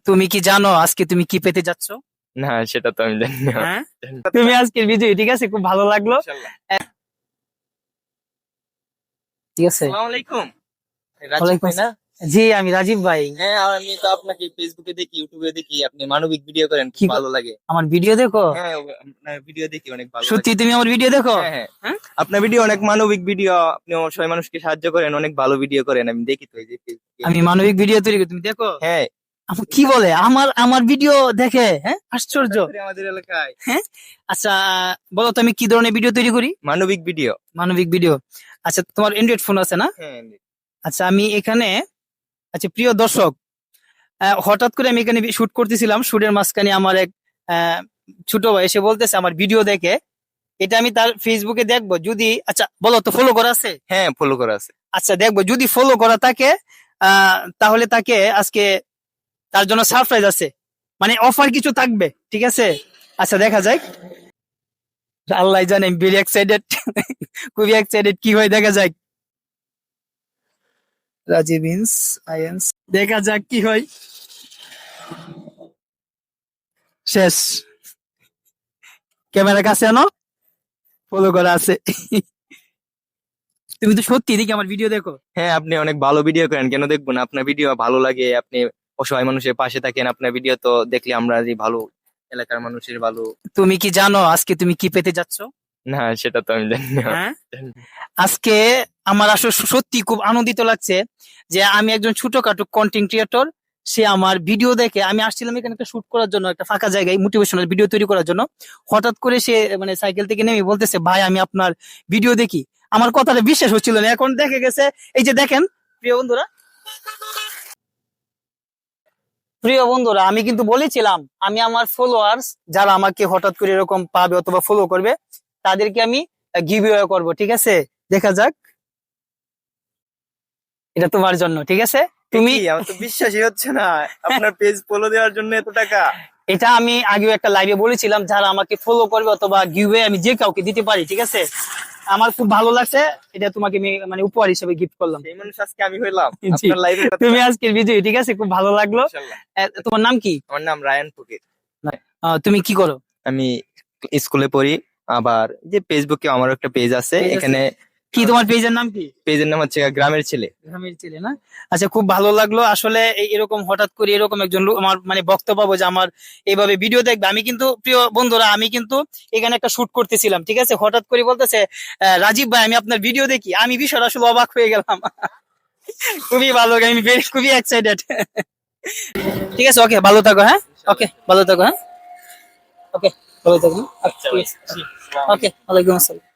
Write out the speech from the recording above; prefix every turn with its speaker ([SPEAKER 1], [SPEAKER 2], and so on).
[SPEAKER 1] তুমি কি জানো আজকে তুমি কি পেতে যাচ্ছ?
[SPEAKER 2] না, সেটা তো আমি জানি না।
[SPEAKER 1] হ্যাঁ, তুমি আজকের বিজয়ী, ঠিক আছে, খুব ভালো লাগলো।
[SPEAKER 2] ইনশাআল্লাহ।
[SPEAKER 1] ঠিক আছে।
[SPEAKER 2] আসসালামু আলাইকুম। রাজীব
[SPEAKER 1] ওয়ালাইকুম
[SPEAKER 2] ভাই না?
[SPEAKER 1] জি, আমি রাজীব ভাই।
[SPEAKER 2] হ্যাঁ, আমি তো আপনাকে ফেসবুকে দেখি, ইউটিউবে দেখি, আপনি মানবিক ভিডিও করেন,
[SPEAKER 1] কি
[SPEAKER 2] খুব ভালো লাগে।
[SPEAKER 1] আমার ভিডিও দেখো?
[SPEAKER 2] হ্যাঁ, আপনার ভিডিও দেখি, অনেক ভালো লাগে।
[SPEAKER 1] সত্যি তুমি আমার ভিডিও দেখো?
[SPEAKER 2] হ্যাঁ, হ্যাঁ।
[SPEAKER 1] হ্যাঁ?
[SPEAKER 2] আপনার ভিডিও অনেক মানবিক ভিডিও, আপনি সবাই মানুষকে সাহায্য করেন, অনেক ভালো ভিডিও করেন, আমি দেখি তো এই যে ফেসবুকে।
[SPEAKER 1] আমি মানবিক ভিডিও তৈরি করি, তুমি দেখো?
[SPEAKER 2] হ্যাঁ,
[SPEAKER 1] কি বলে আমার আমার ভিডিও দেখে? হ্যাঁ, আশ্চর্য।
[SPEAKER 2] হঠাৎ করে আমাদের এলাকায়
[SPEAKER 1] হ্যাঁ, আচ্ছা, বলো তো আমি কি ধরনের ভিডিও তৈরি করি?
[SPEAKER 2] মানবিক ভিডিও।
[SPEAKER 1] মানবিক ভিডিও। আচ্ছা, তোমার অ্যান্ড্রয়েড ফোন আছে না?
[SPEAKER 2] হ্যাঁ,
[SPEAKER 1] আচ্ছা, আমি এখানে, আচ্ছা প্রিয় দর্শক, হঠাৎ করে আমি এখানে শুট করতেছিলাম, শুটের মাঝখানে আমার এক আহ, ছোট ভাই এসে বলতেছে আমার ভিডিও দেখে, এটা আমি তার ফেসবুকে দেখবো যদি, আচ্ছা বলো তো ফলো করা আছে?
[SPEAKER 2] হ্যাঁ, ফলো করা আছে।
[SPEAKER 1] আচ্ছা, দেখবো যদি ফলো করা থাকে, তাহলে তাকে আজকে তার জন্য সারপ্রাইজ আছে, মানে অফার কিছু থাকবে, ঠিক আছে? আচ্ছা, দেখা যায়। আল্লাহ জানে, আমি ভেরি এক্সাইটেড, খুবই এক্সাইটেড, কি হয় দেখা যাক। রাজীব ইন্স আইএনস, দেখা যাক কি হয়। শেষ। ক্যামেরা কাছে আনো, ফলো করা আছে। তুমি তো সত্যি দেখি আমার ভিডিও দেখো?
[SPEAKER 2] হ্যাঁ, আপনি অনেক ভালো ভিডিও করেন, কেন দেখবো না? আপনার ভিডিও ভালো লাগে, আপনি অসহায় মানুষের পাশে থাকেন, আপনার ভিডিও তো দেখলে আমরা যে ভালো এলাকার মানুষের ভালো।
[SPEAKER 1] তুমি কি জানো আজকে তুমি কি পেতে যাচ্ছ?
[SPEAKER 2] না, সেটা তো আমি জানি না।
[SPEAKER 1] হ্যাঁ, আজকে আমার আসলে সত্যি খুব আনন্দিত লাগছে যে আমি একজন ছোটখাটো কন্টেন্ট ক্রিয়েটর, সে আমার ভিডিও দেখে, আমি আসছিলাম এখানে একটা শুট করার জন্য, একটা ফাঁকা জায়গায় মোটিভেশনাল ভিডিও তৈরি করার জন্য, হঠাৎ করে সে মানে সাইকেল থেকে নেমে বলতেছে ভাই আমি আপনার ভিডিও দেখি। আমার কথাটা বিশ্বাস হচ্ছিল না, এখন দেখে গেছে। এই যে দেখেন, প্রিয় বন্ধুরা, আমি কিন্তু বলেছিলাম আমি আমার ফলোয়ার্স যারা আমাকে হঠাৎ করে এরকম পাবে অথবা ফলো করবে, তাদেরকে আমি গিভঅ্যাওয়ে করব, ঠিক আছে? দেখা যাক, এটা তোমার জন্য, ঠিক আছে? তুমি,
[SPEAKER 2] আমার তো বিশ্বাসই হচ্ছে না, আপনার পেজ ফলো দেওয়ার জন্য এত টাকা।
[SPEAKER 1] এটা আমি আগেও একটা লাইভে বলেছিলাম, যারা আমাকে ফলো করবে অথবা গিভঅ্যাওয়ে আমি যে কাউকে দিতে পারি, ঠিক আছে? আমার খুব ভালো লাগছে, এটা তোমাকে আমি মানে উপহার হিসেবে গিফট করলাম।
[SPEAKER 2] সেই মানুষ আজকে আমি হইলাম
[SPEAKER 1] জি,
[SPEAKER 2] আপনার লাইভের কথা।
[SPEAKER 1] তুমি আজকের বিজয়ী, ঠিক আছে, খুব ভালো লাগলো।
[SPEAKER 2] ইনশাআল্লাহ।
[SPEAKER 1] তোমার নাম কি?
[SPEAKER 2] আমার নাম রায়ান ফকির।
[SPEAKER 1] তুমি কি করো?
[SPEAKER 2] আমি স্কুলে পড়ি, আবার যে ফেসবুকে আমার একটা পেজ আছে,
[SPEAKER 1] পেজ আছে?
[SPEAKER 2] এখানে
[SPEAKER 1] কি তোমার পেজের নাম কি?
[SPEAKER 2] পেজের নাম হচ্ছে গ্রামের ছেলে।
[SPEAKER 1] গ্রামের ছেলে না? আচ্ছা, খুব ভালো লাগলো আসলে, এরকম হঠাৎ করে এরকম একজন লোক আমার মানে বক্তব্য পাবো যে আমার এইভাবে ভিডিও দেখবে। আমি কিন্তু প্রিয় বন্ধুরা, আমি কিন্তু এখানে একটা শুট করতেছিলাম, ঠিক আছে, হঠাৎ করে বলতেছে রাজীব ভাই আমি আপনার ভিডিও দেখি, আমি বিষয়টা আসলে অবাক হয়ে গেলাম। খুবই ভালো, আমি খুবই এক্সাইটেড। ঠিক আছে, ওকে, ভালো থাকো। হ্যাঁ, ওকে, ভালো থাকো। হ্যাঁ, ওকে, ভালো থাকো।
[SPEAKER 2] আচ্ছা ভাই।
[SPEAKER 1] ওকে, ওয়ালাইকুম আসসালাম।